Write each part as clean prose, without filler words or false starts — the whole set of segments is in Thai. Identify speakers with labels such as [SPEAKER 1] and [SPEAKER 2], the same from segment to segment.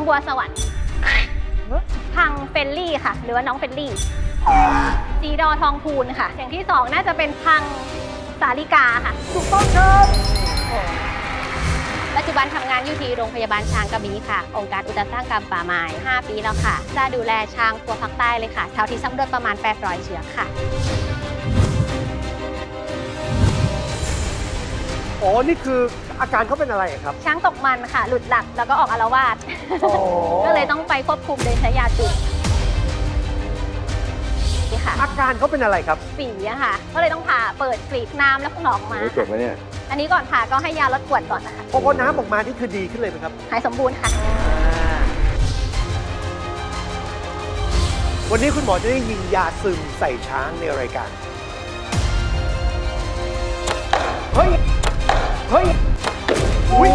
[SPEAKER 1] บัวสวรรค์พังเฟลลี่ค่ะหรือว่าน้องเฟลลี่สีดอทองพูนค่ะอย่างที่2น่าจะเป็นพังสาลิกาค่ะถูกต้องครับปัจจุบันทำงานอยู่ที่โรงพยาบาลช้างกระบี่ค่ะองค์การอุตสาหกรรมป่าไม้5 ปีแล้วค่ะจะดูแลช้างตัวภาคใต้เลยค่ะแถวที่สำรวจประมาณ800 เชือกค่ะ
[SPEAKER 2] อ๋อนี่คืออาการเขาเป็นอะไรครับ
[SPEAKER 1] ช้างตกมันค่ะหลุดหลักแล้วก็ออกอาละวาดก็เลยต้องไปควบคุมโดยใช้ยาจุดค่ะ
[SPEAKER 2] อาการเขาเป็นอะไรครับ
[SPEAKER 1] ฝีอะค่ะก็เลยต้องผ่าเปิดกรีดน้ำแล้วก็ออกมา
[SPEAKER 3] เจ็บไหมเนี่ย
[SPEAKER 1] อันนี้ก่อนผ่าก็ให้ยาลดปวดก่อนนะคะ
[SPEAKER 2] พอน้ำออกมานี่คือดีขึ้นเลยไหมครับ
[SPEAKER 1] หายสมบูรณ์ค่ะ
[SPEAKER 2] วันนี้คุณหมอจะได้ยิงยาซึมใส่ช้างในรายการเฮ้ยอุ๊ย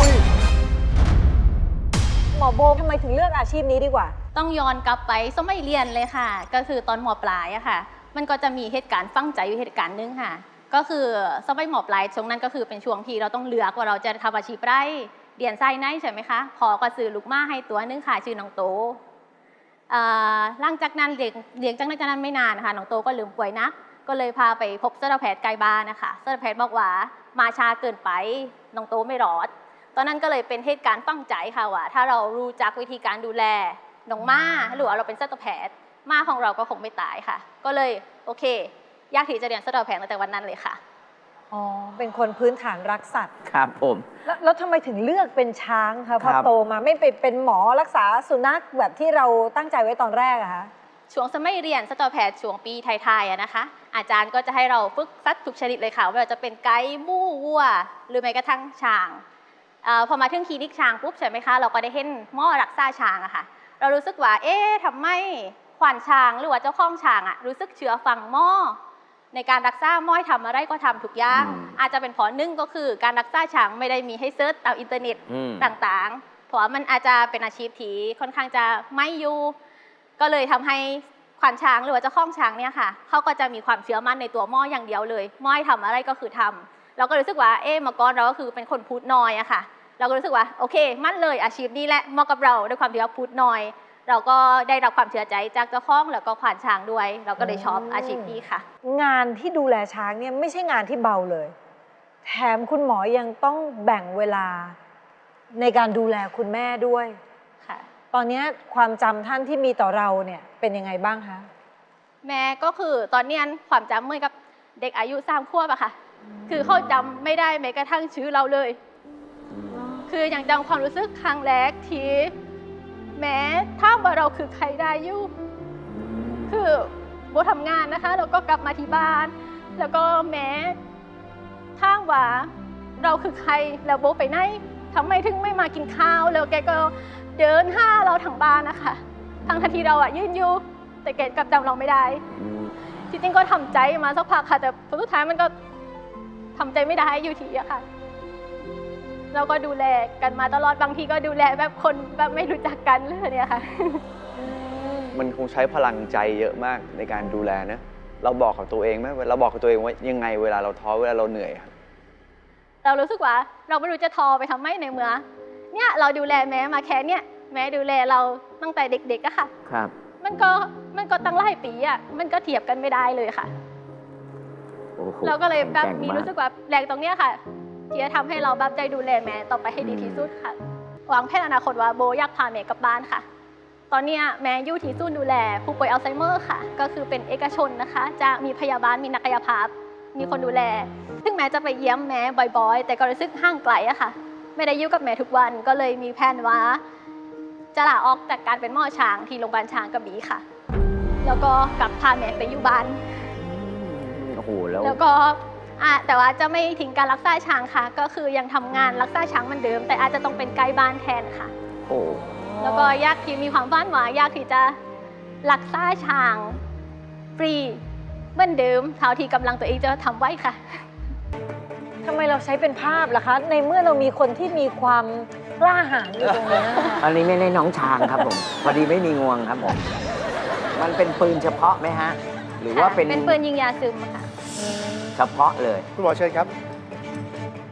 [SPEAKER 4] หมอโบทำไมถึงเลือกอาชีพนี้ดีกว่า
[SPEAKER 1] ต้องย้อนกลับไปสมัยเรียนเลยค่ะก็คือตอนม.ปลายอะค่ะมันก็จะมีเหตุการณ์ฝังใจอยู่เหตุการณ์นึงค่ะก็คือสมัยม.ปลายช่วงนั้นก็คือเป็นช่วงที่เราต้องเลือกว่าเราจะทำอาชีพไรเรียนไส้ไหนใช่ไหมคะพอก็ซื้อลูกม้าให้ตัวนึงค่ะชื่อน้องโตหลังจากนั้นเลี้ยงจากนั้นไม่นานค่ะน้องโตก็ลืมป่วยนักก็เลยพาไปพบสัตวแพทย์ใกล้บ้านนะคะสัตวแพทย์บอกว่ามาช้าเกินไปน้องโตไม่รอดตอนนั้นก็เลยเป็นเหตุการณ์ฝังใจค่ะว่าถ้าเรารู้จักวิธีการดูแลน้องม้าหรือว่าเราเป็นสัตวแพทย์ม้าของเราก็คงไม่ตายค่ะก็เลยโอเคอยากที่จะเรียนสัตวแพทย์ตั้งแต่วันนั้นเลยค่ะ
[SPEAKER 4] อ๋อเป็นคนพื้นฐานรักสัตว์
[SPEAKER 3] ครับผม
[SPEAKER 4] แล้วทำไมถึงเลือกเป็นช้างคะพอโตมาไม่ไปเป็นหมอรักษาสุนัขแบบที่เราตั้งใจไว้ตอนแรกอะคะ
[SPEAKER 1] ช่วงสมัยเรียนสัตวแพทย์ช่วงปีไทยๆนะคะอาจารย์ก็จะให้เราฝึกสัตว์ทุกชนิดเลยค่ะไม่ว่าจะเป็นไก่หมูวัวหรือแม้กระทั่งช้างพอมาถึงคลินิกช้างปุ๊บใช่ไหมคะเราก็ได้เห็นหมอรักษาช้างอะค่ะเรารู้สึกว่าทำไมขวัญช้างหรือว่าเจ้าของช้างอะรู้สึกเชื่อฟังหมอในการรักษาหมอทำอะไรก็ทำทุกอย่างอาจจะเป็นเพราะหนึ่งก็คือการรักษาช้างไม่ได้มีให้เซิร์ชตามอินเทอร์เน็ตต่างๆเพราะมันอาจจะเป็นอาชีพที่ค่อนข้างจะไม่อยู่ก็เลยทำให้ขวัญช้างหรือว่าเจ้าของช้างเนี่ยค่ะเขาก็จะมีความเชื่อมั่นในตัวหมออย่างเดียวเลยหมอทำอะไรก็คือทำเราก็รู้สึกว่าเมื่อก่อนเราก็คือเป็นคนพูดน้อยอะค่ะเราก็รู้สึกว่าโอเคมั่นเลยอาชีพนี้แหละเหมาะกับเราด้วยความที่เราพูดน้อยเราก็ได้รับความเชื่อใจจากเจ้าของแล้วก็ขวัญช้างด้วยเราก็เลยชอบอาชีพนี้ค่ะ
[SPEAKER 4] งานที่ดูแลช้างเนี่ยไม่ใช่งานที่เบาเลยแถมคุณหมอยังต้องแบ่งเวลาในการดูแลคุณแม่ด้วย
[SPEAKER 1] ค่ะ
[SPEAKER 4] ตอนนี้ความจำท่านที่มีต่อเราเนี่ยเป็นยังไงบ้างคะ
[SPEAKER 1] แม่ก็คือตอนนี้ความจำเหมือนกับเด็กอายุ3 ขวบอะค่ะคือเขาจำไม่ได้แม้กระทั่งชื่อเราเลยคือยังจำความรู้สึกครั้งแรกที่แม้ถ้าว่าเราคือใครได้อยู่คือโบทำงานนะคะแล้วก็กลับมาที่บ้านแล้วก็แม้ถ้าว่าเราคือใครแล้วโบไปไหนทำไมถึงไม่มากินข้าวแล้วแกก็เดินห้าเราทั้งบ้านนะคะทั้งที่เราอะยืนอยู่แต่แกกลับจำเราไม่ได้จริงๆก็ทำใจมาสักพักค่ะแต่สุดท้ายมันก็ทำใจไม่ได้อยู่ทีอะค่ะเราก็ดูแลกันมาตลอดบางทีก็ดูแลแบบคนแบบไม่รู้จักกันเลยเนี่ยค่ะ
[SPEAKER 3] มันคงใช้พลังใจเยอะมากในการดูแลนะเราบอกกับตัวเองไหมเราบอกกับตัวเองว่ายังไงเวลาเราท้อเวลาเราเหนื่อย
[SPEAKER 1] เรารู้สึกว่าเราไม่รู้จะท้อไปทำไมในเมื่อเนี่ยเราดูแลแม่มาแค่เนี่ยแม่ดูแลเราตั้งแต่เด็กๆอะค่ะ
[SPEAKER 3] ครับ
[SPEAKER 1] มันก็ตั้งหลายปีอะมันก็เทียบกันไม่ได้เลยค่ะเราก็เลยแบบมีรู้สึกว่าแรงตรงเนี้ยค่ะที่จะทำให้เราแบบใจดูแลแม่ต่อไปให้ดีที่สุดค่ะวางแผนอนาคตว่าโบอยากพาแม่กลับบ้านค่ะตอนนี้แม่อยู่ที่ศูนย์ดูแลผู้ป่วยอัลไซเมอร์ค่ะก็คือเป็นเอกชนนะคะจะมีพยาบาลมีนักกายภาพมีคนดูแลถึงแม้จะไปเยี่ยมแม่บ่อยๆแต่ก็รู้สึกห่างไกลอะค่ะไม่ได้อยู่กับแม่ทุกวันก็เลยมีแผนว่าจะลาออกจากการเป็นหมอช้างที่โรงพยาบาลช้างกระบี่ค่ะแล้วก็กลับพาแม่ไปอยู่บ้าน
[SPEAKER 3] โอ้โห
[SPEAKER 1] แล้วก็แต่ว่าจะไม่ทิ้งการรักษาช้างค่ะก็คือยังทำงานรักษาช้างเหมือนเดิมแต่อาจจะต้องเป็นไกด์บ้านแทนค่ะ
[SPEAKER 3] โอ้
[SPEAKER 1] แล้วก็อยากที่มีความฝันว่าอยากที่จะรักษาช้างฟรีเหมือนเดิมเท่าที่กำลังตัวเองจะทำไว้ค่ะ
[SPEAKER 4] ทำไมเราใช้เป็นภาพล่ะคะในเมื่อเรามีคนที่มีความกล้าหาญอยู่ตรงนี้
[SPEAKER 5] อันนี้ไม่ได้น้องช้างครับผมพอดีไม่มีงวงครับผมมันเป็นปืนเฉพาะไหมฮะหรือว่าเป็น
[SPEAKER 1] ปืนยิงยาซึมค่ะ
[SPEAKER 5] เฉพาะเลย
[SPEAKER 2] คุณหมอเชิญครับ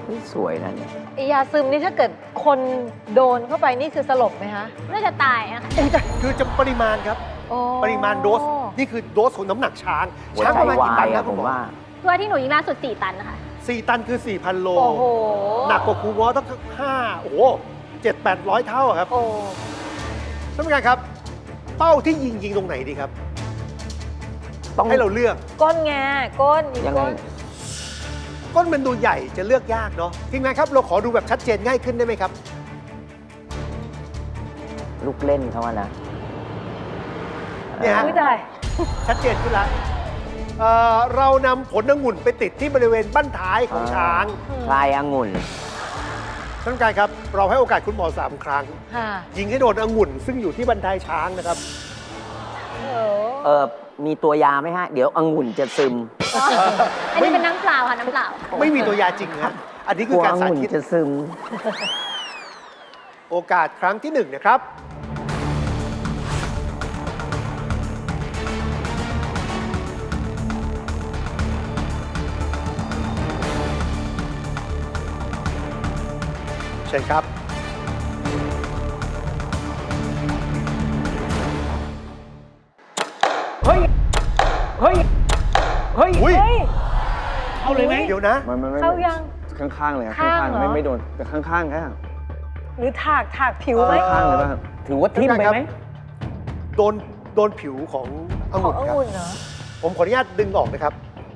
[SPEAKER 5] สวยนะเนี่ย
[SPEAKER 4] ไอยาซึมนี่ถ้าเกิดคนโดนเข้าไปนี่คือสลบไหมคะ
[SPEAKER 1] น่าจะตายอะค่ะ
[SPEAKER 2] คือจะปริมาณครับ
[SPEAKER 4] โอ้
[SPEAKER 2] ปริมาณโดส นี่คือโดสของน้ำหนักช้าง
[SPEAKER 5] หัว
[SPEAKER 2] ช้าง
[SPEAKER 5] ใจ
[SPEAKER 2] ประมาณ
[SPEAKER 5] วา
[SPEAKER 2] กี่ตัน
[SPEAKER 5] ย
[SPEAKER 2] ครั
[SPEAKER 5] อะ
[SPEAKER 2] บ
[SPEAKER 5] ผ
[SPEAKER 2] คุณ
[SPEAKER 5] ม
[SPEAKER 2] หมอ
[SPEAKER 5] ว่า
[SPEAKER 1] ตัวที่หนูยิงล่าสุด 4 ตันนะคะ
[SPEAKER 2] 4 ตันคือ 4,000 โล
[SPEAKER 4] โอ้โห
[SPEAKER 2] หนักกว่าครูง้อตั้ง5 โอ้โห 700-800 เท่าอะครับ
[SPEAKER 4] โอ้
[SPEAKER 2] ท่านผู้การครับ เป้าที่ยิงตรงไหนดีครับ
[SPEAKER 5] ต้อง
[SPEAKER 2] ให้เราเลือก
[SPEAKER 4] ก้นไงก้น
[SPEAKER 5] ยังไง
[SPEAKER 4] ก้น
[SPEAKER 2] ก้นมันดูใหญ่จะเลือกยากเนาะทีมงานครับเราขอดูแบบชัดเจนง่ายขึ้นได้ไหมครับ
[SPEAKER 5] ลูกเล่นเขาอะนะ
[SPEAKER 2] เนี่ยฮะ
[SPEAKER 4] อุ้ยตาย
[SPEAKER 2] ชัดเจนขึ้นแล้วเรานำผลองุ่นไปติดที่บริเวณบั้นท้ายของช้าง
[SPEAKER 5] คลายองุ่น
[SPEAKER 2] ท่านผู้การครับ เราให้โอกาสคุณหมอ3 ครั้ง
[SPEAKER 4] ค่ะ
[SPEAKER 2] ยิงให้โดนองุ่น ซึ่งอยู่ที่บันไดช้างนะครับ
[SPEAKER 5] มีตัวยาไหมฮะ เดี๋ยวองุ่นจะซึม
[SPEAKER 1] อันนี้เป็นน้ำเปล่าค่ะ น้ำเปล่า
[SPEAKER 2] ไม่มีตัวยาจริงนะอันนี้
[SPEAKER 5] ก
[SPEAKER 2] คื
[SPEAKER 5] ลั
[SPEAKER 2] อ
[SPEAKER 5] ว
[SPEAKER 2] การ
[SPEAKER 5] องุ่น
[SPEAKER 2] สาธิต
[SPEAKER 5] จะซึม
[SPEAKER 2] โอกาสครั้งที่1นะครับ เชิญครับ
[SPEAKER 5] เฮ้ย เฮ้ย เฮ้ย
[SPEAKER 2] อุ้ย
[SPEAKER 4] เฮ้ย
[SPEAKER 5] เอาเลยไหม
[SPEAKER 2] เดี๋ยวนะ
[SPEAKER 3] ไม่
[SPEAKER 4] เข้ายัง
[SPEAKER 3] ข้างๆเลยครับ
[SPEAKER 4] ข้าง
[SPEAKER 3] ข้าง
[SPEAKER 4] เหรอ
[SPEAKER 3] ๆไม่โดนแต่ข้างๆแค่
[SPEAKER 4] หรือถากผิวไหม
[SPEAKER 3] ข้างๆเลยป่ะครับ
[SPEAKER 5] ถือว่าทิ่มไปไหม
[SPEAKER 2] โดนผิวของอ
[SPEAKER 4] ของ
[SPEAKER 2] งุ่น
[SPEAKER 4] อ
[SPEAKER 2] ครับ
[SPEAKER 4] งุ่นเหรอ
[SPEAKER 2] ผมขออนุญาตดึงออกนะครับ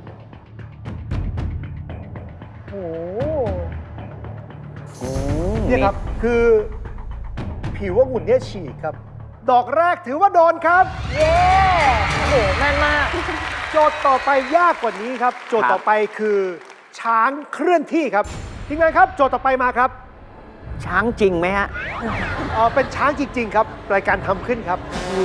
[SPEAKER 4] โอ้โห
[SPEAKER 2] เนี่ยครับ คือผิวองุ่นเนี่ยฉีกครับ ดอกแรกถือว่าโดนครับ
[SPEAKER 4] เย้โอ้โหแม่นมาก
[SPEAKER 2] โจทย์ต่อไปยากกว่านี้ครับ โจทย์ต่อไปคือช้างเคลื่อนที่ครับทีมงานครับ โจทย์ต่อไปมาครับ
[SPEAKER 5] ช้างจริงไหมฮะ
[SPEAKER 2] เป็นช้างจริง ๆ ครับ รายการทำขึ้นครับ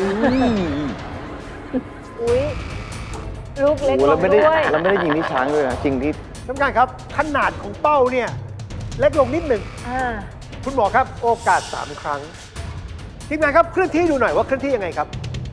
[SPEAKER 4] อุ้ยลูกเล็ก
[SPEAKER 3] โอ้
[SPEAKER 4] ล
[SPEAKER 3] เรา
[SPEAKER 4] ง
[SPEAKER 3] ไม่ได้
[SPEAKER 4] ด้วย
[SPEAKER 3] เราไม่ได้ยิงที่ช้างด้วยนะจริงที่
[SPEAKER 2] ท่านผู้การครับ ขนาดของเป้าเนี่ยเล็กลงนิดหนึ่ง
[SPEAKER 4] อ่า
[SPEAKER 2] คุณหมอครับ โอกาส 3 ครั้งทีมงานครับเคลื่อนที่ดูหน่อยว่าเคลื่อนที่ยังไงครับ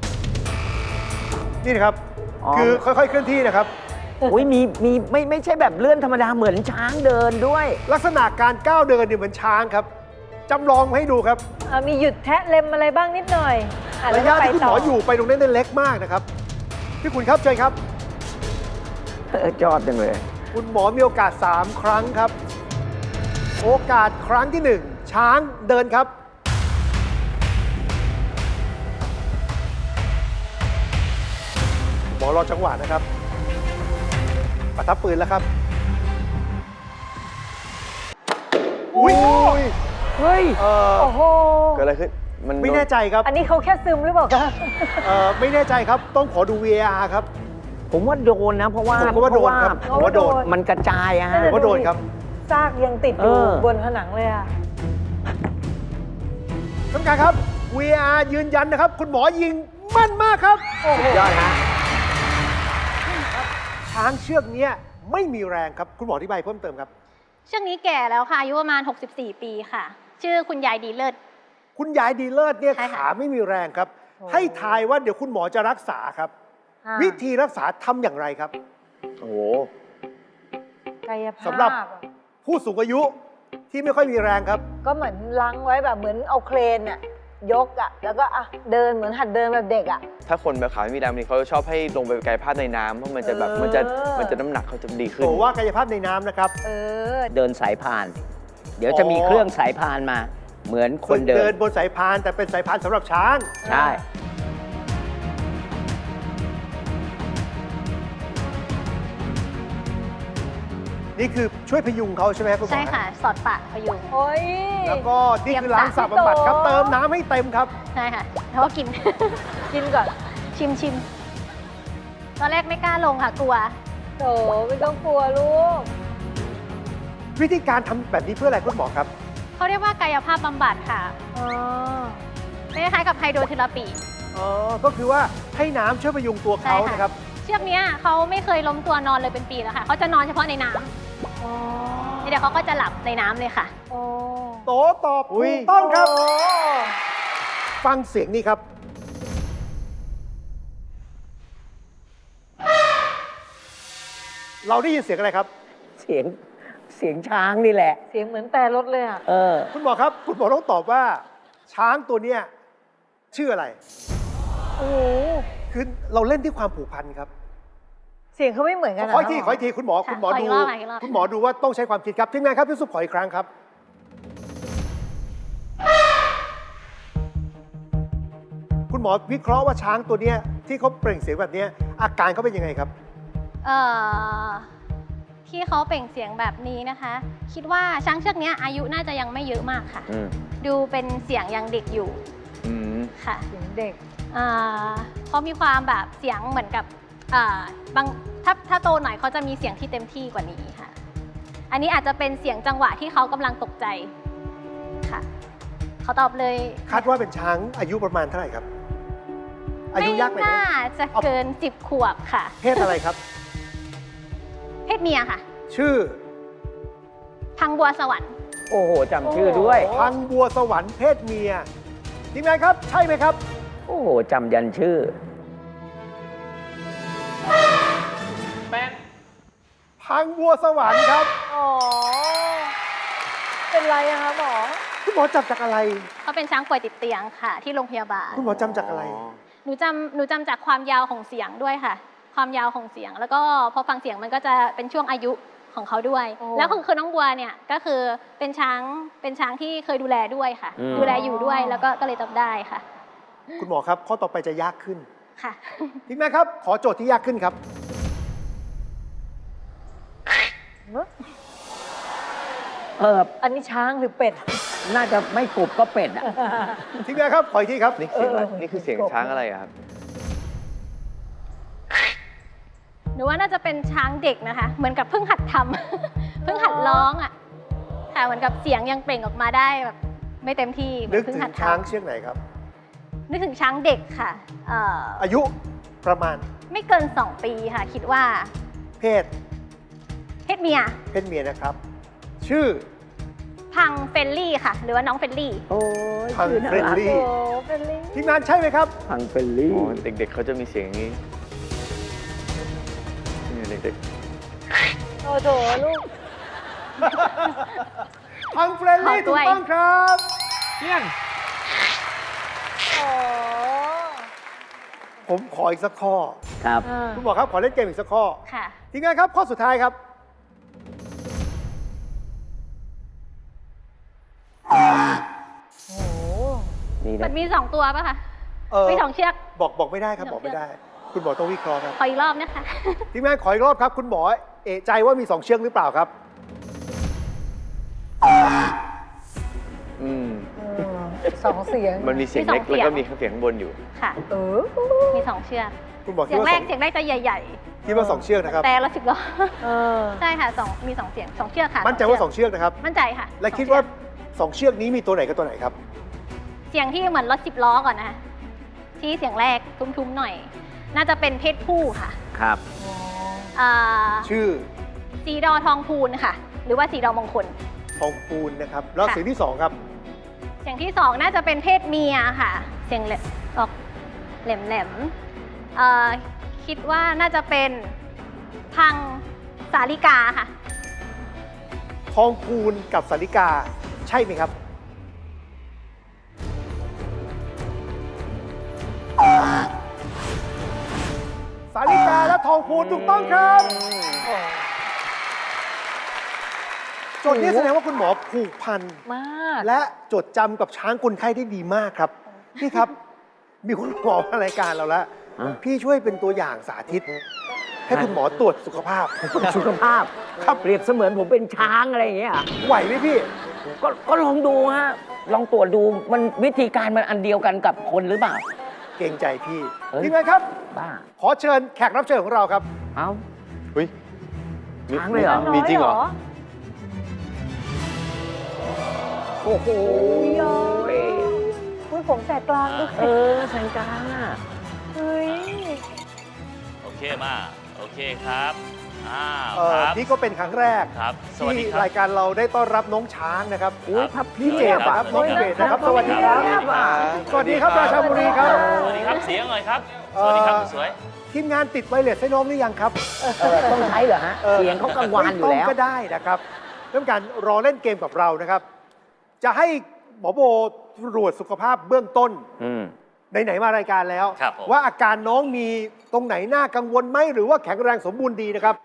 [SPEAKER 2] นี่นะครับ
[SPEAKER 5] อ๋อ
[SPEAKER 2] คือค่อยๆเคลื่อนที่นะครับ
[SPEAKER 5] อุ้ยมีไม่ใช่แบบเลื่อนธรรมดาเหมือนช้างเดินด้วย
[SPEAKER 2] ลักษณะการก้าวเดินเนี่ยเหมือนช้างครับจำลองมาให้ดูครับ
[SPEAKER 4] มีหยุดแทะเล็มอะไรบ้างนิดหน่อยอ่
[SPEAKER 2] ระยะ
[SPEAKER 4] แล้วก็
[SPEAKER 2] ที่คุณหมออยู่ไปตรงนั้นเนี่ยเล็กมากนะครับพี่คุณครับเชิญครับ
[SPEAKER 5] จอดจังเลย
[SPEAKER 2] คุณหมอมีโอกาส 3 ครั้งครับ โอกาสครั้งที่ 1 ช้างเดินครับ หมอรอจังหวะนะครับประทับปืนแล้วครับอุ้ย
[SPEAKER 5] เฮ้ย
[SPEAKER 4] โอ้โห
[SPEAKER 3] เกิดอะไรขึ้นมัน
[SPEAKER 2] ไม่แน่ใจครับ
[SPEAKER 4] อันนี้เขาแค่ซึมหรือเปล่าคะ
[SPEAKER 2] ไม่แน่ใจครับต้องขอดู VAR ครับ
[SPEAKER 5] ผมว่าโดนนะ เพราะว่า
[SPEAKER 2] ผมว่าโดนครับ
[SPEAKER 5] เพ
[SPEAKER 2] ผม
[SPEAKER 5] ราะ
[SPEAKER 2] ว่าโดน
[SPEAKER 5] มันกระจายอะฮะ
[SPEAKER 2] ผมว่าโดนครับ
[SPEAKER 4] ซากยังติดอยู่
[SPEAKER 5] เออ
[SPEAKER 4] บนผนังเลยอะ
[SPEAKER 2] ท่านผู้การครับ VAR ยืนยันนะครับ คุณหมอยิงแม่นมากครับ
[SPEAKER 5] ยอดฮะ
[SPEAKER 2] ช้างเชือกเนี้ยไม่มีแรงครับ คุณหมออธิบายเพิ่มเติมครับ
[SPEAKER 1] เชือกนี้แก่แล้วค่ะ อายุประมาณ 64 ปีค่ะ ชื่อคุณยายดีเลิศ
[SPEAKER 2] คุณยายดีเลิศเนี่ย
[SPEAKER 1] ใช่ค่ะ
[SPEAKER 2] ขาไม่มีแรงครับ ให้ทายว่าเดี๋ยวคุณหมอจะรักษาครับ
[SPEAKER 4] อ่า
[SPEAKER 2] วิธีรักษาทำอย่างไรครับ
[SPEAKER 3] โอ้โห
[SPEAKER 4] กายภาพ
[SPEAKER 2] สำหรับ ผู้สูงอายุที่ไม่ค่อยมีแรงครับ
[SPEAKER 4] ก็เหมือนล้างไว้แบบเหมือนเอาเครนอะยกอะแล้วก็เดินเหมือนหัดเดินแบบเด็กอะ
[SPEAKER 3] ถ้าคนแบบขาไม่มีแรงนี่เขาจะชอบให้ลงไปกายภาพในน้ำเพราะมันจะแบบ
[SPEAKER 4] เออ
[SPEAKER 3] มันจะน้ำหนักเขาจะดีขึ้น
[SPEAKER 2] โตว่ากายภาพในน้ำนะครับ
[SPEAKER 4] เออ
[SPEAKER 5] เดินสายพาน เดี๋ยวจะมีเครื่องสายพานมา เหมือนคนเดิ
[SPEAKER 2] เดิ
[SPEAKER 5] น
[SPEAKER 2] นบนสายพานแต่เป็นสายพานสำหรับช้าง
[SPEAKER 5] ใช่
[SPEAKER 2] นี่คือช่วยพยุงเขาใช่ไหมครับคุณหมอ
[SPEAKER 1] ใช่ค่ะ สอดปากพยุง
[SPEAKER 4] โอ้ย
[SPEAKER 2] แล้วก็นี่คือล้างสระบำบัดครับ
[SPEAKER 4] เตรียมสระ
[SPEAKER 2] เติมน้ำให้เต็มครับ
[SPEAKER 1] ใช่ค่ะ แล้วก็กิน
[SPEAKER 4] กินก่อน
[SPEAKER 1] ชิม ตอนแรกไม่กล้าลงค่ะ กลัว
[SPEAKER 4] โถไม่ต้องกลัวลูก
[SPEAKER 2] วิธีการทำแบบนี้เพื่ออะไรคุณหมอครับ
[SPEAKER 1] เขาเรียกว่ากายภาพบำบัดค่ะ
[SPEAKER 4] อ๋อ
[SPEAKER 1] คล้ายๆกับไฮโดรเทอราปี
[SPEAKER 2] อ๋อ ก็คือว่าให้น้ำช่วยพยุงตัวเขา
[SPEAKER 1] ใช่ค่ะ
[SPEAKER 2] นะครับ
[SPEAKER 1] เชือกเนี้ยเขาไม่เคยล้มตัวนอนเลยเป็นปีแล้วค่ะ เขาจะนอนเฉพาะในน้ำ
[SPEAKER 4] อ๋อ
[SPEAKER 1] เดี๋ยวเขาก็จะหลับในน้ำเลยค่ะ
[SPEAKER 4] โอ้
[SPEAKER 2] โตตอบถูกต้องครับ
[SPEAKER 4] โอ้
[SPEAKER 2] ฟังเสียงนี้ครับ เราได้ยินเสียงอะไรครับ
[SPEAKER 5] เสียงเสียงช้างนี่แหละ
[SPEAKER 4] เสียงเหมือนแต่รถเลยอ่ะ
[SPEAKER 5] เออ
[SPEAKER 2] คุณหมอครับ คุณหมอต้องตอบว่า ช้างตัวเนี้ยชื่ออะไร
[SPEAKER 4] โอ้โห
[SPEAKER 2] คือเราเล่นที่ความผูกพันครับ
[SPEAKER 4] เสียงเขาไม่เหมือนกัน
[SPEAKER 2] ขออีกทีขออีกทีคุณหมอ
[SPEAKER 1] ค่ะ
[SPEAKER 2] คุณหมอ
[SPEAKER 1] ขออี
[SPEAKER 2] ดู
[SPEAKER 1] กรอบค่ะอีกรอบ
[SPEAKER 2] คุณหมอดูว่าต้องใช้ความคิดครับทีมงานครับพี่ซุปขออีกครั้งครับ คุณหมอวิเคราะห์ว่าช้างตัวเนี้ยที่เขาเปล่งเสียงแบบเนี้ยอาการเขาเป็นยังไงครับ
[SPEAKER 1] เอ่อที่เขาเปล่งเสียงแบบนี้นะคะ คิดว่าช้างเชือกเนี้ยอายุน่าจะยังไม่เยอะมากค่ะ
[SPEAKER 5] อืม
[SPEAKER 1] ดูเป็นเสียงยังเด็กอยู่
[SPEAKER 3] อืม
[SPEAKER 1] ค่ะ
[SPEAKER 4] เสียงเด็ก
[SPEAKER 1] เขามีความแบบเสียงเหมือนกับบางถ้าโตหน่อยเขาจะมีเสียงที่เต็มที่กว่านี้ค่ะ อันนี้อาจจะเป็นเสียงจังหวะที่เขากำลังตกใจค่ะเขาตอบเลย
[SPEAKER 2] คาดว่าเป็นช้างอายุประมาณเท่าไหร่ครับ อายุยากไหม
[SPEAKER 1] ไม่น่าจะเกิน 10 ขวบค่ะ
[SPEAKER 2] เพศอะไรครับ
[SPEAKER 1] เพศเมียค่ะ
[SPEAKER 2] ชื่อ
[SPEAKER 1] พังบัวสวรรค์
[SPEAKER 5] โอ้โหจำชื่อด้วย
[SPEAKER 2] พังบัวสวรรค์เพศเมียทีมงานครับ ใช่ไหมครับ
[SPEAKER 5] โอ้โหจำยันชื่อ
[SPEAKER 2] พังบัวสวรรค์ครับ
[SPEAKER 4] อ๋อ เป็นไรอะคะหมอ
[SPEAKER 2] คุณหมอจำจากอะไร
[SPEAKER 1] เขาเป็นช้างป่วยติดเตียงค่ะ ที่โรงพยาบาล
[SPEAKER 2] คุณหมอจำจากอะไร
[SPEAKER 1] หนูจำจากความยาวของเสียงด้วยค่ะ ความยาวของเสียง แล้วก็พอฟังเสียงมันก็จะเป็นช่วงอายุของเขาด้วย
[SPEAKER 4] โอ้
[SPEAKER 1] แล้วคือน้องบัวเนี่ยก็คือเป็นช้างที่เคยดูแลด้วยค่ะ
[SPEAKER 5] อืม
[SPEAKER 1] ดูแลอยู่ด้วยแล้วก็เลยจำได้ค่ะ
[SPEAKER 2] คุณหมอครับข้อต่อไปจะยากขึ้น
[SPEAKER 1] ค่ะ
[SPEAKER 2] ทีมงานครับ ขอโจทย์ที่ยากขึ้นครับ
[SPEAKER 5] เออ
[SPEAKER 4] อันนี้ช้างหรือเป็ด
[SPEAKER 5] น่าจะไม่กบก็เป็ดอ่ะ
[SPEAKER 2] ทีมงานครับ ขออีกทีครับ
[SPEAKER 3] นี่เสียงอะไร
[SPEAKER 4] เออ
[SPEAKER 3] นี่คือเสียงช้างอะไรอะครับ
[SPEAKER 1] หนูว่าน่าจะเป็นช้างเด็กนะคะ เหมือนกับเพิ่งหัดทำ เพิ่งหัดร้องอ่ะค่ะเหมือนกับเสียงยังเปล่งออกมาได้แบบไม่เต็มที่เหมื
[SPEAKER 2] นึ
[SPEAKER 1] อก นเพิ่
[SPEAKER 2] ถึ
[SPEAKER 1] ง
[SPEAKER 2] ง
[SPEAKER 1] หัดท
[SPEAKER 2] ช้างเชือกไหนครับ
[SPEAKER 1] ำนึกถึงช้างเด็กค่ะ
[SPEAKER 2] อายุประมาณ
[SPEAKER 1] ไม่เกิน 2 ปีค่ะ คิดว่า
[SPEAKER 2] เพศ
[SPEAKER 1] เพศเมีย
[SPEAKER 2] เพศเมียนะครับ ชื่อ
[SPEAKER 1] พังเฟลลี่ค่ะ หรือว่าน้องเฟลลี่
[SPEAKER 5] โอ้ย
[SPEAKER 2] พัง
[SPEAKER 5] ชื่อน่า
[SPEAKER 2] เฟรน
[SPEAKER 5] รัก
[SPEAKER 2] ลี่
[SPEAKER 4] โอ้เป็นลิง
[SPEAKER 2] ทีมงานใช่ไหมครับ
[SPEAKER 5] พังเฟลลี่
[SPEAKER 3] อ๋อ เด็กๆเขาจะมีเสียงอย่างนี้นี่เด็ก
[SPEAKER 4] โอ้โถลูก
[SPEAKER 2] พังเฟรนลี่
[SPEAKER 1] ขอด้
[SPEAKER 2] ถูก
[SPEAKER 1] วย
[SPEAKER 2] ต้องครับเนี่ย
[SPEAKER 4] อ๋อ
[SPEAKER 2] ผมขออีกสักข้อ
[SPEAKER 5] ครับ
[SPEAKER 4] อ่า
[SPEAKER 2] คุณหมอครับขอเล่นเกมอีกสักข้อ
[SPEAKER 1] ค่ะ
[SPEAKER 2] ทีมงานครับ ข้อสุดท้ายครับ
[SPEAKER 4] โอ้โห
[SPEAKER 5] นี่
[SPEAKER 1] มั
[SPEAKER 5] นะ
[SPEAKER 1] นมี 2 ตัวป่ะคะ
[SPEAKER 2] เออ
[SPEAKER 1] มี2 เชือก
[SPEAKER 2] บอกไม่ได้ครับ
[SPEAKER 1] มี
[SPEAKER 2] บ
[SPEAKER 1] ส
[SPEAKER 2] อ
[SPEAKER 1] อก ง
[SPEAKER 2] ไม่
[SPEAKER 1] เชือก
[SPEAKER 2] ได้ คุณหมอต้องวิเคราะห์ครับ
[SPEAKER 1] ขออีกรอบนะคะ
[SPEAKER 2] ทีมงานขออีกรอบครับ คุณหมอเอะใจว่ามี 2 เชือกหรือเปล่าครับ
[SPEAKER 3] ๆ อืม
[SPEAKER 4] สองเสียง
[SPEAKER 3] มันมีเสียง
[SPEAKER 1] มีสอง
[SPEAKER 3] เล็กแล้วก็
[SPEAKER 1] เสียง
[SPEAKER 3] มีเสียงข้างบนอยู่
[SPEAKER 1] ค่ะ
[SPEAKER 4] เออ
[SPEAKER 1] มี 2 เชือก
[SPEAKER 2] คุณหมอ
[SPEAKER 1] เสี
[SPEAKER 2] คิด
[SPEAKER 1] ยง
[SPEAKER 2] ว่า
[SPEAKER 1] แร
[SPEAKER 2] ส
[SPEAKER 1] ก
[SPEAKER 2] อง
[SPEAKER 1] เสียงแรกจะใหญ่
[SPEAKER 2] คิดว่า 2 เชือกนะครับ
[SPEAKER 1] แต่ละ10 ล้อ
[SPEAKER 4] เออ
[SPEAKER 1] ใช่ค่ะมี 2 เสียง 2 เชือกค่ะ
[SPEAKER 2] มั่นใจว่า 2 เชือกนะครับ
[SPEAKER 1] มั่นใจค่ะ
[SPEAKER 2] และ
[SPEAKER 1] สอง
[SPEAKER 2] คิด
[SPEAKER 1] เชือก
[SPEAKER 2] ว่า 2 เชือกนี้มีตัวไหนกับตัวไหนครับ
[SPEAKER 1] เสียงที่เหมือนรถ10 ล้อก่อนนะคะที่เสียงแรกทุ้มๆหน่อย น่าจะเป็นเพศผู้ค่ะ
[SPEAKER 5] ครับ
[SPEAKER 1] อ่า
[SPEAKER 2] ชื่อ
[SPEAKER 1] สีดอทองพูนค่ะ หรือว่าสีดอมงคล
[SPEAKER 2] ทองปูนนะครับ แล้ว
[SPEAKER 1] ค่ะ
[SPEAKER 2] เสียงที่ 2 ครับ
[SPEAKER 1] เสียงที่ 2 น่าจะเป็นเพศเมียค่ะ เสียงออกแหลมๆคิดว่าน่าจะเป็นพังสาลิกาค่ะ
[SPEAKER 2] ทองปูนกับสาริกา ใช่ไหมครับ สาริกาและทองพูนถูกต้องครับ โจทย์นี้แสดงว่าคุณหมอผูกพัน
[SPEAKER 4] มาก
[SPEAKER 2] และจดจำกับช้างคนไข้ได้ดีมากครับ พี่ครับ มีคุณหมอมารายการเราแล้ว
[SPEAKER 5] อ่ะ
[SPEAKER 2] พี่ช่วยเป็นตัวอย่างสาธิต ให้คุณหมอตรวจสุขภาพ
[SPEAKER 5] สุขภาพครับเปรียบเสมือนผมเป็นช้างอะไรอย่างเงี้ยเหรอ
[SPEAKER 2] ไหวไหมพี่
[SPEAKER 5] ก็ลองดูฮะ ลองตรวจดูมันวิธีการมันอันเดียวกันกับคนหรือเปล่า
[SPEAKER 2] เกรงใจพี่
[SPEAKER 5] เฮ้ย
[SPEAKER 2] ทีมงานครับ
[SPEAKER 5] บ้า
[SPEAKER 2] ขอเชิญแขกรับเชิญของเราครับ
[SPEAKER 5] เอ้า
[SPEAKER 3] เฮ้ย
[SPEAKER 5] ช้างเลยเหรอ
[SPEAKER 3] มีจริงเหรอ
[SPEAKER 5] โอ้โห
[SPEAKER 4] อุ้ยผมแสกกลางด้วย
[SPEAKER 5] เออแสงกลางอ่ะ
[SPEAKER 4] เฮ้ย
[SPEAKER 6] โอเคมาโอเคครับครับ
[SPEAKER 2] นี่ก็เป็นครั้งแรก
[SPEAKER 6] ครับ สวัสดี
[SPEAKER 2] ที่
[SPEAKER 6] ครับ
[SPEAKER 2] รายการเราได้ต้อนรับน้องช้างนะครับ
[SPEAKER 5] อุ้ยพับ
[SPEAKER 2] พี่เจดนะครับน้องเจดนะครับ สวัสดีครับ สวัสดีครับราชาบุรีครับ
[SPEAKER 6] สวัสดีครับเสียงหน่อยครับ สวัสดีครับสวย
[SPEAKER 2] ทีมงานติดไวเลสให้น้องหรือยังครับ
[SPEAKER 5] ต้องใช้เหรอฮะ เสียงเขากังวานอยู่แล้ว
[SPEAKER 2] ไม่ต้งก็ได้นะครับต้องการรอเล่นเกมกับเรานะครับ จะให้หมอโบตรวจสุขภาพเบื้องต้น ไหนๆมารายการแล้ว
[SPEAKER 6] ครับผม
[SPEAKER 2] ว่าอาการน้องมีตรงไหนน่ากังวลไหมหรือว่าแข็งแรงสมบูรณ์ดีนะครับ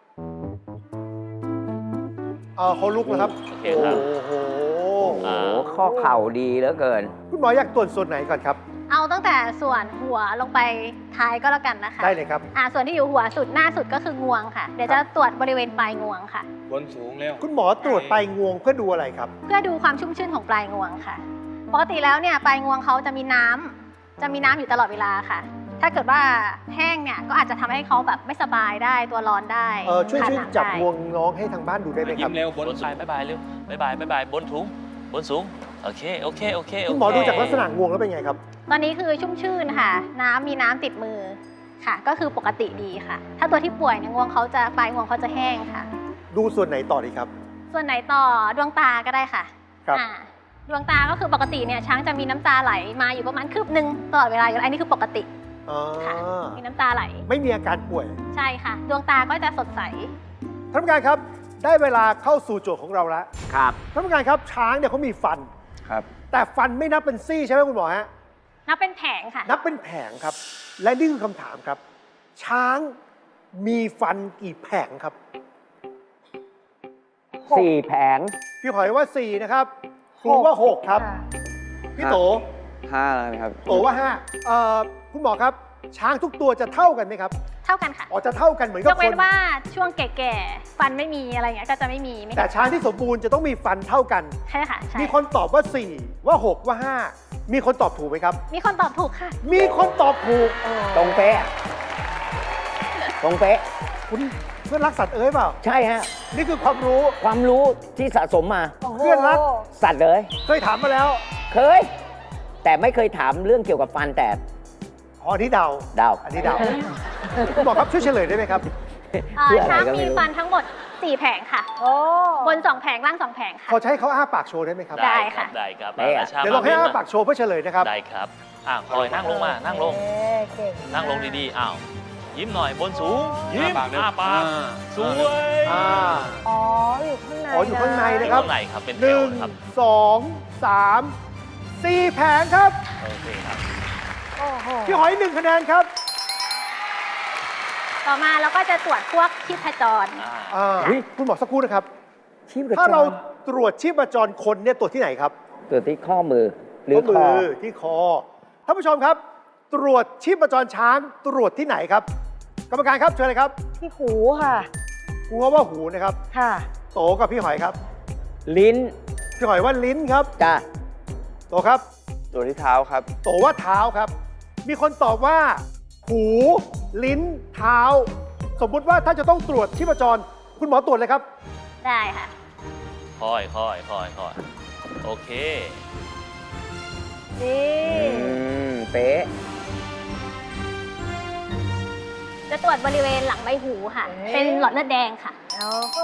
[SPEAKER 2] เขาลุกแล้วครับ
[SPEAKER 6] โอเคครับ
[SPEAKER 2] โอ้โห
[SPEAKER 5] โอ้โหข้อเข่าดีเหลือเกิน
[SPEAKER 2] คุณหมออยากตรวจส่วนไหนก่อนครับ
[SPEAKER 1] เอาตั้งแต่ส่วนหัวลงไปท้ายก็แล้วกันนะคะ
[SPEAKER 2] ได้เลยครับ
[SPEAKER 1] ส่วนที่อยู่หัวสุดหน้าสุดก็คืองวงค่ะ เดี๋ยวจะตรวจบริเวณปลายงวงค่ะ
[SPEAKER 7] บนสูงแล้ว
[SPEAKER 2] คุณหมอตรวจปลายงวงเพื่อดูอะไรครับ
[SPEAKER 1] เพื่อดูความชุ่มชื่นของปลายงวงค่ะ ปกติแล้วเนี่ยปลายงวงเขาจะมีน้ำอยู่ตลอดเวลาค่ะ ถ้าเกิดว่าแห้งเนี่ยก็อาจจะทำให้เขาแบบไม่สบายได้ตัวร้อนได้
[SPEAKER 2] ช่วย
[SPEAKER 1] ขาดน้ำ
[SPEAKER 2] จับ
[SPEAKER 1] ได้
[SPEAKER 2] งวงน้องให้ทางบ้านดูได้ไหมค
[SPEAKER 7] ยิ้
[SPEAKER 2] รับ
[SPEAKER 7] มเร็วบบ น
[SPEAKER 6] น
[SPEAKER 7] สู
[SPEAKER 6] สาง ยบายเร็วบายบนถุงบนสูง โอเค โอเค โอเค
[SPEAKER 2] คุณหมอดูจากลักษณะงวงแล้วเป็นไงครับ
[SPEAKER 1] ตอนนี้คือชุ่มชื่นค่ะ มีน้ำติดมือค่ะ ก็คือปกติดีค่ะ ถ้าตัวที่ป่วยเนี่ยงวงเขาจะปลายงวงเขาจะแห้งค่ะ
[SPEAKER 2] ดูส่วนไหนต่อดีครับ
[SPEAKER 1] ส่วนไหนต่อดวงตาก็ได้ค่ะ
[SPEAKER 2] ครับ
[SPEAKER 1] ดวงตาก็คือปกติเนี่ยช้างจะมีน้ำตาไหลมาอยู่ประมาณคืบหนึ่งตลอดเวลาอยู่แล้วอันนี้คือปกติ
[SPEAKER 2] อ๋อ
[SPEAKER 1] ค่ะ มีน้ำตาไหล
[SPEAKER 2] ไม่มีอาการป่วย
[SPEAKER 1] ใช่ค่ะ ดวงตาก็จะสดใส
[SPEAKER 2] ท่านผู้การครับ ได้เวลาเข้าสู่โจทย์ของเราแล้ว
[SPEAKER 5] ครับ
[SPEAKER 2] ท่านผู้การครับช้างเนี่ยเขามีฟัน
[SPEAKER 3] ครับ
[SPEAKER 2] แต่ฟันไม่นับเป็นซี่ใช่ไหมคุณหมอฮะ
[SPEAKER 1] นับเป็นแผงค่ะ
[SPEAKER 2] นับเป็นแผงครับ และนี่คือคำถามครับ ช้างมีฟันกี่แผงครับ
[SPEAKER 5] 4 แผง
[SPEAKER 2] พี่หอยว่า 4 นะครับครูว่า 6 ครับ
[SPEAKER 4] ค่ะ
[SPEAKER 2] พี่โต
[SPEAKER 3] 5แล้วนะครับ
[SPEAKER 2] โตว่า5คุณหมอครับ ช้างทุกตัวจะเท่ากันไหมครับ
[SPEAKER 1] เท่ากันค่ะ
[SPEAKER 2] อ๋อจะเท่ากันเหมือน
[SPEAKER 1] ย
[SPEAKER 2] กับ
[SPEAKER 1] ก
[SPEAKER 2] ค
[SPEAKER 1] เว้
[SPEAKER 2] น
[SPEAKER 1] นว่าช่วงแก่ๆ ฟันไม่มีอะไรเงี้ยก็จะไม่มีไม่
[SPEAKER 2] แต่ช้างที่สมบูรณ์จะต้องมีฟันเท่ากัน
[SPEAKER 1] ใช่ค่ะใช่
[SPEAKER 2] มีคนตอบว่า 4 ว่า 6 ว่า 5 มีคนตอบถูกไหมครับ
[SPEAKER 1] มีคนตอบถูกค่ะ
[SPEAKER 2] มีคนตอบถูก
[SPEAKER 5] ตรงเป๊ะ ตรงเป๊ะ
[SPEAKER 2] คุณเพื่อนรักสัตว์เอ้ยเปล่า
[SPEAKER 5] ใช่ฮะ
[SPEAKER 2] นี่คือความรู้
[SPEAKER 5] ความรู้ที่สะสมมา
[SPEAKER 4] โอ้โห
[SPEAKER 2] เพื่อนรัก
[SPEAKER 5] สัตว์เลย
[SPEAKER 2] เคยถามมาแล้ว
[SPEAKER 5] เคย แต่ไม่เคยถามเรื่องเกี่ยวกับฟันแต่
[SPEAKER 2] อ๋ออันนี้เดา
[SPEAKER 5] เดา
[SPEAKER 2] อันนี้เดาคุณหมอครับช่วยเฉลยได้ไหมครับ
[SPEAKER 5] เพื่ออะไร
[SPEAKER 1] ช้าง
[SPEAKER 5] ก็ไม่
[SPEAKER 1] มี
[SPEAKER 5] รู้
[SPEAKER 1] ฟันทั้งหมด 4 แผงค่ะ
[SPEAKER 4] โอ้
[SPEAKER 1] บน 2 แผงล่าง 2 แผงค่ะ
[SPEAKER 2] ขอใช้เขาอ้าปากโชว์ได้ไหมครับ
[SPEAKER 1] ได้ค่ะ
[SPEAKER 6] ได้ครับ
[SPEAKER 5] ได้อะ
[SPEAKER 6] ชา
[SPEAKER 2] เดี๋ยวเราให้
[SPEAKER 6] ม
[SPEAKER 2] อ้าปากโชว์เพื่อเฉลยนะครับ
[SPEAKER 6] ได้ครับคอยนั่งลงมา นั่งลง
[SPEAKER 4] เอ๊ะเก่งมาก
[SPEAKER 6] นั่งลงดีๆ อ้าว ยิ้มหน่อย บนสูง ยิ้ม
[SPEAKER 7] อ้าปากเร็ว
[SPEAKER 6] อ้าปาก สวย
[SPEAKER 2] อ่า
[SPEAKER 4] อ๋อ อยู่ข้างใน
[SPEAKER 2] อ๋ออยู่ข้างใน
[SPEAKER 6] อยู่
[SPEAKER 2] นะครับ
[SPEAKER 6] ข้างในครับ เป็นแถ
[SPEAKER 2] หนึ่
[SPEAKER 6] ว
[SPEAKER 2] ง
[SPEAKER 6] ครับ
[SPEAKER 2] สองสามสี่แผงครับ
[SPEAKER 6] โอเคครับ
[SPEAKER 4] โอ้โห
[SPEAKER 2] พี่หอย1 คะแนนครับ
[SPEAKER 1] ต่อมาเราก็จะตรวจพวกชีพจร
[SPEAKER 2] คุณหมอสักครู่นะครับ
[SPEAKER 5] ชีพจร
[SPEAKER 2] ถ้าเราตรวจชีพจรคนเนี่ยตรวจที่ไหนครับ
[SPEAKER 5] ตัวที่ข้อมือ หรือ
[SPEAKER 2] ข้อ
[SPEAKER 5] คอ
[SPEAKER 2] มือที่คอท่านผู้ชมครับ ตรวจชีพจรช้างตรวจที่ไหนครับ กรรมการครับเชิญเลยครับ
[SPEAKER 4] ที่หูค่ะ
[SPEAKER 2] ครูว่าหูนะครับ
[SPEAKER 4] ค่ะ
[SPEAKER 2] โตกับพี่หอยครับ
[SPEAKER 5] ลิ้น
[SPEAKER 2] พี่หอยว่าลิ้นครับ
[SPEAKER 5] จ้ะ
[SPEAKER 2] โตครับ
[SPEAKER 3] ตัวที่เท้าครับ
[SPEAKER 2] โตว่าเท้าครับ มีคนตอบว่า หู ลิ้น เท้า สมมุติว่าถ้าจะต้องตรวจชีพจร คุณหมอตรวจเลยครับ
[SPEAKER 1] ได้ค่ะ
[SPEAKER 6] ค่อยโอเค
[SPEAKER 4] นี่
[SPEAKER 5] เป๊ะ
[SPEAKER 1] จะตรวจบริเวณหลังใบหูค่ะ เป็นหลอดเลือดแดงค่ะ
[SPEAKER 4] เอา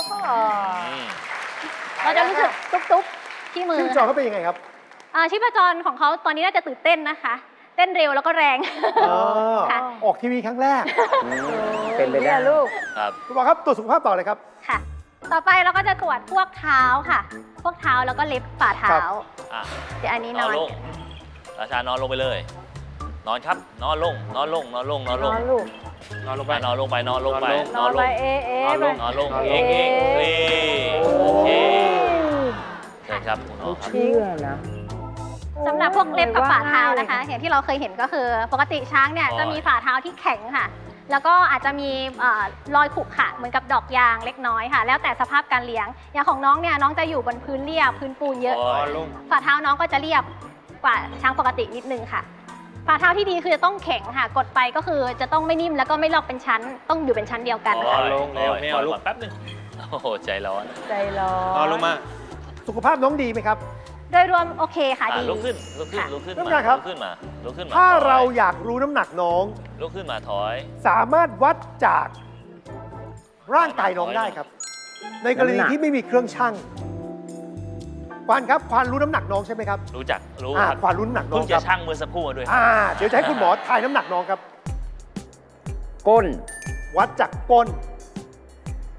[SPEAKER 1] เราจะรู้สึกตุ๊บๆที่มือ
[SPEAKER 2] ชีพจรเขาเป็นยังไงครับ
[SPEAKER 1] ชีพจรของเขาตอนนี้น่าจะตื่นเต้นนะคะ เต้นเร็วแล้วก็แรง ค่ะ
[SPEAKER 2] ออกทีวีครั้งแรก
[SPEAKER 5] เป็นไปได้
[SPEAKER 4] เนี่ยลูก
[SPEAKER 6] ครับ
[SPEAKER 2] คุณหมอครับตรวจสุขภาพต่อเลยครับ
[SPEAKER 1] ค่ะ ต่อไปเราก็จะตรวจพวกเท้าค่ะ พวกเท้าแล้วก็เล็บฝ่าเท้า
[SPEAKER 6] อ่ะ
[SPEAKER 1] เดี๋ยวอันนี้
[SPEAKER 6] น
[SPEAKER 1] น
[SPEAKER 6] อ
[SPEAKER 1] อน น
[SPEAKER 6] ลงราชานอนลงไปเลย นอนครับ นอนลง นอนลง นอนลง นอนลง
[SPEAKER 4] นอนลูก
[SPEAKER 7] นอนลงไป
[SPEAKER 6] นอนลงไป นอนลงไป
[SPEAKER 4] นอนไปเอ๊ะเอ๊ะ
[SPEAKER 7] นอน
[SPEAKER 4] ไป
[SPEAKER 7] ลง
[SPEAKER 6] นอนลง
[SPEAKER 7] นอนลง
[SPEAKER 6] เองโอเคเชิญครับคุณหมอครับ
[SPEAKER 5] เชื่อนะ
[SPEAKER 1] สำหรับพวกเล็บกับฝ่าเท้านะคะ
[SPEAKER 4] ว่าง่ายเลยค่ะ
[SPEAKER 1] อย่างที่เราเคยเห็นก็คือ ปกติช้างเนี่ยจะมีฝ่าเท้าที่แข็งค่ะ แล้วก็อาจจะมีรอยขรุขระเหมือนกับดอกยางเล็กน้อยค่ะ แล้วแต่สภาพการเลี้ยง อย่างของน้องเนี่ยน้องจะอยู่บนพื้นเรียบพื้นปูนเยอะ
[SPEAKER 6] โอ้
[SPEAKER 7] นอนลง
[SPEAKER 1] ฝ่าเท้าน้องก็จะเรียบกว่าช้างปกตินิดนึงค่ะ ฝ่าเท้าที่ดีคือจะต้องแข็งค่ะ กดไปก็คือจะต้องไม่นิ่มแล้วก็ไม่ลอกเป็นชั้น ต้องอยู่เป็นชั้นเดียวกัน
[SPEAKER 6] โอ้
[SPEAKER 1] ค่ะ
[SPEAKER 6] ย
[SPEAKER 7] ลงแล้วไม่เอาลูก
[SPEAKER 6] ก่นแป๊บนึง โอ้โห ใจร้อน
[SPEAKER 4] ใจร้อน
[SPEAKER 7] อนลงมา
[SPEAKER 2] สุขภาพน้องดีไหมครับ
[SPEAKER 1] โดยรวมโอเคค่ะดี
[SPEAKER 6] ลุกขึ้น ลุกขึ้น
[SPEAKER 1] ค่ะ
[SPEAKER 6] ลุกขึ้น
[SPEAKER 2] ท่าน
[SPEAKER 6] มา
[SPEAKER 2] ผู้การครับ
[SPEAKER 6] ลุกขึ้นมา ลุกขึ้นมา
[SPEAKER 2] ถ้า
[SPEAKER 6] ถอย
[SPEAKER 2] เราอยากรู้น้ำหนักน้อง
[SPEAKER 6] ลุกขึ้นมาถอย
[SPEAKER 2] สามารถวัดจากร่างกายน้องได้ครับ ในกรณี
[SPEAKER 5] น้ำหนัก
[SPEAKER 2] ที่ไม่มีเครื่องชั่งควานครับควานรู้น้ำหนักน้องใช่ไหมครับ
[SPEAKER 6] รู้จัก รู้
[SPEAKER 2] อ่า
[SPEAKER 6] ครับ
[SPEAKER 2] ควานรู้น้ำหนักน้อ
[SPEAKER 6] เพิ่
[SPEAKER 2] ง
[SPEAKER 6] ง
[SPEAKER 2] ค
[SPEAKER 6] จะ
[SPEAKER 2] รับ
[SPEAKER 6] ชั่งเมื่อสักครู่มาด้วย
[SPEAKER 2] เดี๋ยวจะให้คุณหมอทายน้ำหนักน้องครับ
[SPEAKER 5] ก้น
[SPEAKER 2] วัดจากก้น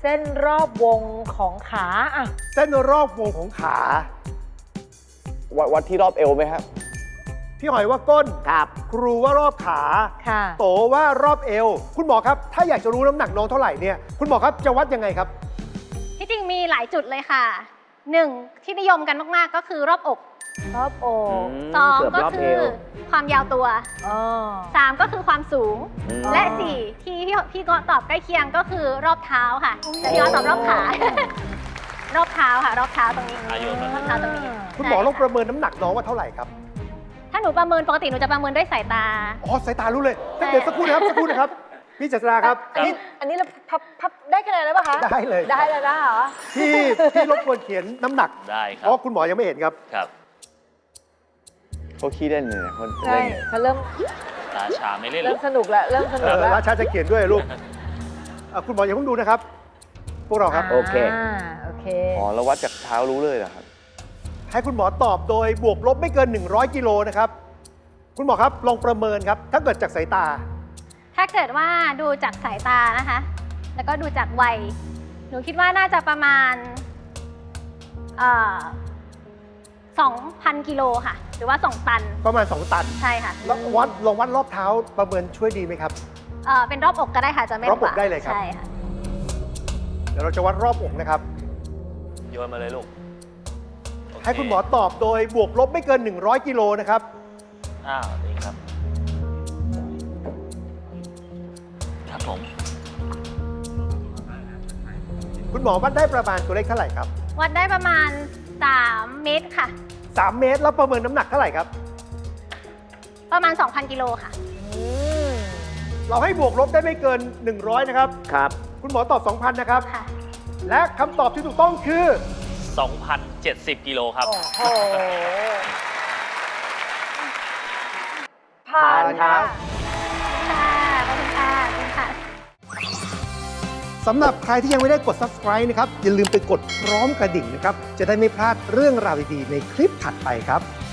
[SPEAKER 4] ส้นรอบวงของขาอ่ะ
[SPEAKER 2] เส้นรอบวงของขา
[SPEAKER 3] วัดที่รอบเอวไหมครับ
[SPEAKER 2] พี่หอยว่าก้น
[SPEAKER 5] ครับ
[SPEAKER 2] ครูว่ารอบขา
[SPEAKER 4] ค่ะ
[SPEAKER 2] โตว่ารอบเอว คุณหมอครับ ถ้าอยากจะรู้น้ำหนักน้องเท่าไหร่เนี่ยคุณหมอครับจะวัดยังไงครับ
[SPEAKER 1] ที่จริงมีหลายจุดเลยค่ะ 1. ที่นิยมกันมากๆก็คือรอบอก
[SPEAKER 4] รอบอก
[SPEAKER 1] 2
[SPEAKER 5] เกือบ
[SPEAKER 1] ก็
[SPEAKER 5] รอบ
[SPEAKER 1] คื
[SPEAKER 5] เอ
[SPEAKER 1] อ
[SPEAKER 5] ว
[SPEAKER 1] ความยาวตัว
[SPEAKER 4] อ๋อ
[SPEAKER 1] 3 ก็คือความสูง
[SPEAKER 5] อืม
[SPEAKER 1] และ 4 ที่พี่ก็ตอบใกล้เคียงก็คือรอบเท้าค่ะแต่พี่ก็ตอบรอบขา รอบเท้าค่ะ รอบเท้าตรงนี้
[SPEAKER 6] อายุ
[SPEAKER 1] รอบเท้าตรงนี้
[SPEAKER 2] คุณหมอลองป
[SPEAKER 1] ใช่
[SPEAKER 2] ระเมินน้ำหนักน้องว่าเท่าไหร่ครับ
[SPEAKER 1] ถ้าหนูประเมินปกติหนูจะประเมินด้วยสายตา
[SPEAKER 2] อ๋อสายตารู้เลยเดี๋ยวสักครู่นะครับสักครู่นะครับพี่เจษฎาครับ
[SPEAKER 4] อันนี้เราพับได้คะแนนแล้วป่ะคะ
[SPEAKER 2] ได้เลย
[SPEAKER 4] ได้แล้วนะเหรอ
[SPEAKER 2] พี่รบกวนเขียนน้ำหนัก
[SPEAKER 6] ได้ค
[SPEAKER 2] เพ
[SPEAKER 6] รับ
[SPEAKER 2] ราะคุณหมอยังไม่เห็นครับ
[SPEAKER 6] ครับ
[SPEAKER 3] เขาขี้เล่นเลยนะเขา
[SPEAKER 4] ใช่
[SPEAKER 3] เล่น
[SPEAKER 4] เขาเริ่ม
[SPEAKER 6] ตาชาไม่เล่นหร
[SPEAKER 4] เริ่
[SPEAKER 6] อ
[SPEAKER 4] ม
[SPEAKER 6] ก
[SPEAKER 4] สนุกแล้วเริ่มสนุกแล้ว
[SPEAKER 2] ราชาจะเขียนด้วยลูกคุณหมออย่าเพิ่งดูนะครับ พวกเราครับ
[SPEAKER 5] โอเค
[SPEAKER 4] โอเค
[SPEAKER 3] อ๋อแล้ววัดจากเท้ารู้เลยเหรอครับ
[SPEAKER 2] ให้คุณหมอตอบโดยบวกลบไม่เกิน 100 กิโลนะครับ คุณหมอครับลองประเมินครับ ถ้าเกิดจากสายตา
[SPEAKER 1] ถ้าเกิดว่าดูจากสายตานะคะ แล้วก็ดูจากวัย หนูคิดว่าน่าจะประมาณ2,000 กิโลค่ะ หรือว่า 2 ตัน
[SPEAKER 2] ประมาณ 2 ตัน
[SPEAKER 1] ใช่ค่ะ
[SPEAKER 2] แล้วลองวัดรอบเท้าประเมินช่วยดีไหมครับ
[SPEAKER 1] เป็นรอบอกก็ได้ค่ะ จะไม่
[SPEAKER 2] รอบอกได้เลยครับ
[SPEAKER 1] ใช่ค่ะ
[SPEAKER 2] เดี๋ยวเราจะวัดรอบอกนะครับ
[SPEAKER 6] โยนมาเลยลูกโเ
[SPEAKER 2] ให้คุณหมอตอบโดยบวกลบไม่เกิน 100 กิโลนะครับ
[SPEAKER 6] อ้าวนี่ครับ ครับผม
[SPEAKER 2] คุณหมอวัดได้ประมาณตัวเลขเท่าไหร่ครับ
[SPEAKER 1] วัดได้ประมาณ 3 เมตรค่ะ
[SPEAKER 2] 3 เมตรแล้วประเมินน้ำหนักเท่าไหร่ครับ
[SPEAKER 1] ประมาณ 2,000 กิโลค่ะ
[SPEAKER 2] เราให้บวกลบได้ไม่เกิน 100 นะครับ
[SPEAKER 5] ครับ
[SPEAKER 2] คุณหมอตอบ 2,000 นะครับ
[SPEAKER 1] ค่ะ
[SPEAKER 2] และคำตอบที่ถูกต้องคือ
[SPEAKER 6] 2,070 กิโลครับ
[SPEAKER 4] โอ้โห ผ่าน
[SPEAKER 5] ครั
[SPEAKER 4] ค่ะ
[SPEAKER 5] บ
[SPEAKER 1] ค่ะ ขอบคุณค่ะ ขอบคุณค่ะ
[SPEAKER 2] สำหรับใครที่ยังไม่ได้กด subscribe นะครับ อย่าลืมไปกดพร้อมกระดิ่งนะครับ จะได้ไม่พลาดเรื่องราวดีๆในคลิปถัดไปครับ